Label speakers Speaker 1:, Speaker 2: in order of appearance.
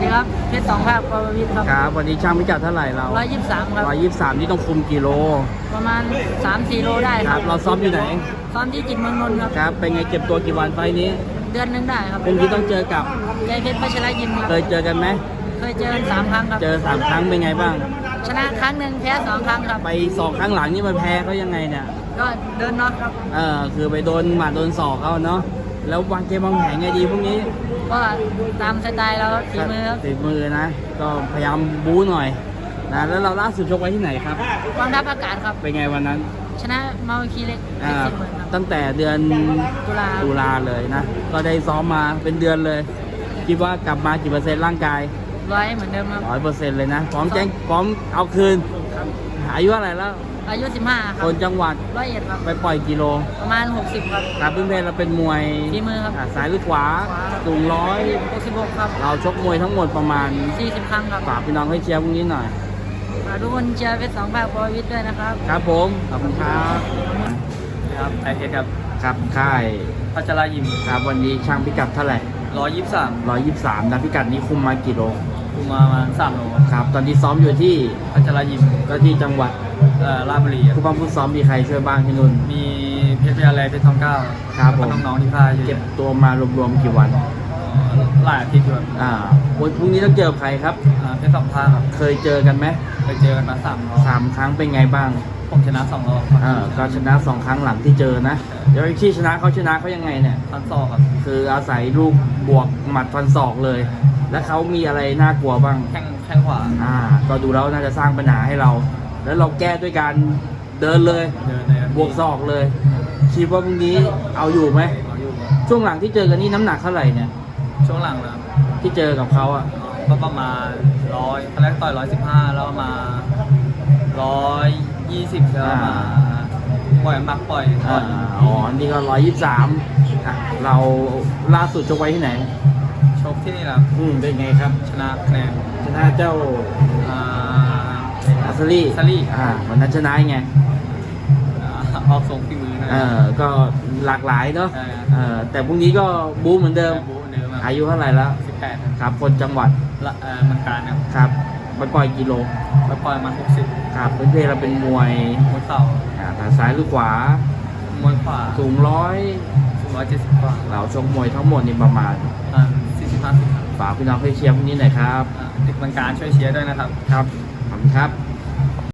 Speaker 1: ดีครับเพชรสองภาคปววิทย์ครับ
Speaker 2: ครับวันนี้ช่างพิกัดเท่าไหร่เรา
Speaker 1: 123ครับ
Speaker 2: 123นี่ต้องคุมกิโล
Speaker 1: ประมาณ 3-4 โลได้
Speaker 2: ค
Speaker 1: ครั
Speaker 2: รับบเราซ้อมอยู่ไหน
Speaker 1: ซ้อมที่จิตรเมืองนนท์ครับ
Speaker 2: ครับเป็นไงเก็บตัวกี่วันไฟนี้
Speaker 1: เดือนนึงได้ครับ
Speaker 2: พรุ่งนี้ต้องเจอกับ
Speaker 1: ใจเพชรพัชรยิมครับ
Speaker 2: เคยเจอกันไหม
Speaker 1: เคยเจอกัน3 ครั้งครับ
Speaker 2: เจอ3ครั้งเป็นไงบ้าง
Speaker 1: ชนะครั้งหนึ่งแพ้2 ครั้งครับ
Speaker 2: ไป2ครั้งหลังนี่มาแพ้เขายังไงเนี่ย
Speaker 1: ก็เดินน็อกครับ
Speaker 2: คือไปโดนหมัดโดนศอกเขาเนาะแล้ววางเกมวางแผนไงดีพวกนี้
Speaker 1: ก็ตามสไตล์เราฝีมือครับ
Speaker 2: ฝีมือนะก็พยายามบู๊หน่อยนะแล้วเราล่าสุดชกไว้ที่ไหนครับ
Speaker 1: กองทัพอากาศครับ
Speaker 2: เป็นไงวันนั้น
Speaker 1: ชนะเมาคีเล็ก
Speaker 2: ตั้งแต่เดือนตุลาเลยนะก็ได้ซ้อมมาเป็นเดือนเลยคิดว่ากลับมากี่เปอร์เซ็นต์ร่างกาย
Speaker 1: 100เหมือนเดิมครับ
Speaker 2: 100%เลยนะพร้อมแจ้งพร้อมเอาคืนอายุอะไรแล้ว
Speaker 1: อายุ15ครับ
Speaker 2: คนจังหวัด
Speaker 1: 101ครับ
Speaker 2: ไปปล่อยกิโล
Speaker 1: ประมาณ60ครับ
Speaker 2: ครับพื้นเพเราเป็นมวย
Speaker 1: ฝีมือครับ
Speaker 2: ซ้ายหรือขวาสูง
Speaker 1: 166ครับ
Speaker 2: เราชกมวยทั้งหมดประมาณ
Speaker 1: 40 ครั้งครับ
Speaker 2: ฝากพี่น้องให้เชียร์พรุ่งนี้หน่อย
Speaker 1: ทุกคนเชียร์เพชรสองภาคปววิทย์ด้วยนะครับ
Speaker 2: ครับผมขอบคุณครับ
Speaker 3: ครับไอเพชรครับ
Speaker 2: ครับค่าย
Speaker 3: พัชรยิม
Speaker 2: ครับวันนี้ช่างพิกัดเท่าไหร่
Speaker 3: 123
Speaker 2: นะพิกัดนี้คุมมากี่โล
Speaker 3: คุมมา3 โล
Speaker 2: ครับตอนนี้ซ้อมอยู่ที่
Speaker 3: พัชรยิม
Speaker 2: ก็ที่จังหวัด
Speaker 3: ราชบุรี
Speaker 2: ผู้บังคับซ้อมมีใครช่วยบ้างที่นู่น
Speaker 3: มีเพชรวิทยาลัยเพชรทองเก้า
Speaker 2: ครับผม
Speaker 3: น้องๆที่ค่าย
Speaker 2: เก็บตัวมารวมๆกี่วัน
Speaker 3: หลายอาทิตย์อยู่
Speaker 2: วันพรุ่งนี้ต้องเจอใครครับ
Speaker 3: เพชรสองภาคครับ
Speaker 2: เคยเจอกันไหม
Speaker 3: เคยเจอกันมา
Speaker 2: 3 ครั้งเป็นไงบ้าง
Speaker 3: ผมชนะ2 รอบ
Speaker 2: ก็ชนะ2 ครั้งหลังที่เจอนะเดี๋ยวที่ชนะเขายังไงเนี่ย
Speaker 3: ฟันศอกครับ
Speaker 2: คืออาศัยลูกบวกหมัดฟันศอกเลยแล้วเขามีอะไรน่ากลัวบ้าง
Speaker 3: แข้งขวา
Speaker 2: ก็ดูแล้วน่าจะสร้างปัญหาให้เราแล้วเราแก้ด้วยการเดินเลยบวกศอกเลยคิดว่าพรุ่งนี้เอาอยู่ไหมช่วงหลังที่เจอกันนี่น้ำหนักเท่าไหร่เนี่ย
Speaker 3: ช่วงหลังแล้ว
Speaker 2: ที่เจอกับเขา
Speaker 3: ก็ประมาณ100ครั้งแรกต่อย115แล้วมา120แล้วมาปล่อยมักปล่อย
Speaker 2: นี่ก็123เราล่าสุดชกไว้ที่ไหน
Speaker 3: ชกที่นี่แหละ
Speaker 2: เป็นไงครับ
Speaker 3: ชนะคะแนน
Speaker 2: ชนะเจ้าอัสลีวันนั้นชนะไง
Speaker 3: ออกส่งฝีมือนะ
Speaker 2: ก็หลากหลายเนาะแต่พรุ่งนี้ก็บู๊เหมือนเดิมอายุเท่าไหร่แล้ว
Speaker 3: 18
Speaker 2: ครับคนจังหวัด
Speaker 3: มันการ
Speaker 2: ครับไปปล่อยกิโล
Speaker 3: ไปปล่อยมา60
Speaker 2: ครับพื้นเพเราเป็นมวย
Speaker 3: เข่า
Speaker 2: ทางซ้ายหรือขวาม
Speaker 3: วยขวา
Speaker 2: สูง
Speaker 3: 170 กว่า
Speaker 2: เราชกมวยทั้งหมดนี่ประมาณ
Speaker 3: 40-50
Speaker 2: ฝากพี่น้องให้เชียร์พรุ่งนี้หน่อยครับ
Speaker 3: ติดมันการช่วยเชียร์ด้วยนะครับ
Speaker 2: ครับขอบคุณครับ